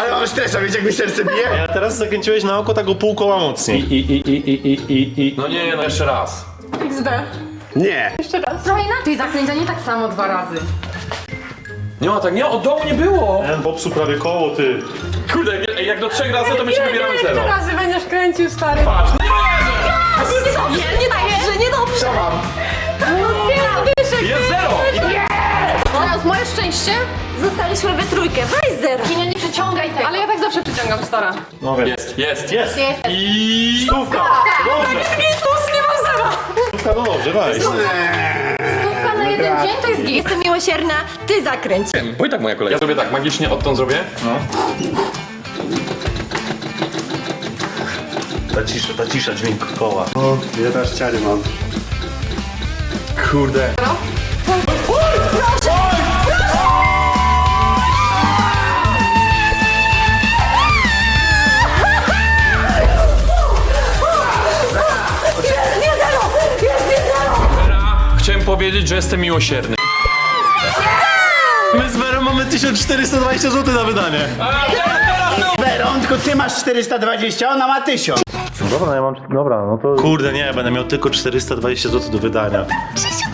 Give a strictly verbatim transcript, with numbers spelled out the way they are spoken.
Ale mam stresa, wiecie jak mi serce bije? Ja teraz zakręciłeś na oko tak o pół koła mocniej. I, i, i, i, i, i, i. No nie, no jeszcze raz. X D. Nie. Jeszcze raz. Trochę inaczej zakręcia, nie tak samo dwa razy. Nie ma tak, nie, od dołu nie było. Ten popsuł prawie koło, ty. Kurde, jak, jak do trzech razy to my się wybieramy Ile zero. jeszcze razy będziesz kręcił, stary? Patrz, nie Nie, nie dobrze, nie dobrze. Co mam? jest zero. Teraz moje szczęście. Zostaliśmy we trójkę, weź zero. Nie, nie przyciągaj tego. Ale ja tak zawsze przyciągam, stara. No wiem. Jest, jest. Jest! Jest. I... Stówka! Dobrze! Plus, nie mam zera. Stówka, no dobrze, weź. Stówka na jeden dzień to jest git. Jestem miłosierna, ty zakręć. Bo i tak moja kolej. Ja zrobię tak, magicznie odtąd zrobię. No. Ta cisza, ta cisza dźwięk koła. O, ja teraz ciary mam. Kurde. Chciałem powiedzieć, że jestem miłosierny. My z Werą mamy tysiąc czterysta dwadzieścia złotych na wydanie. Weron, tylko ty masz czterysta dwadzieścia, ona ma tysiąc. No dobra, ja mam... Dobra, no to... Kurde, nie, będę miał tylko czterysta dwadzieścia złotych do wydania. Krzysiu,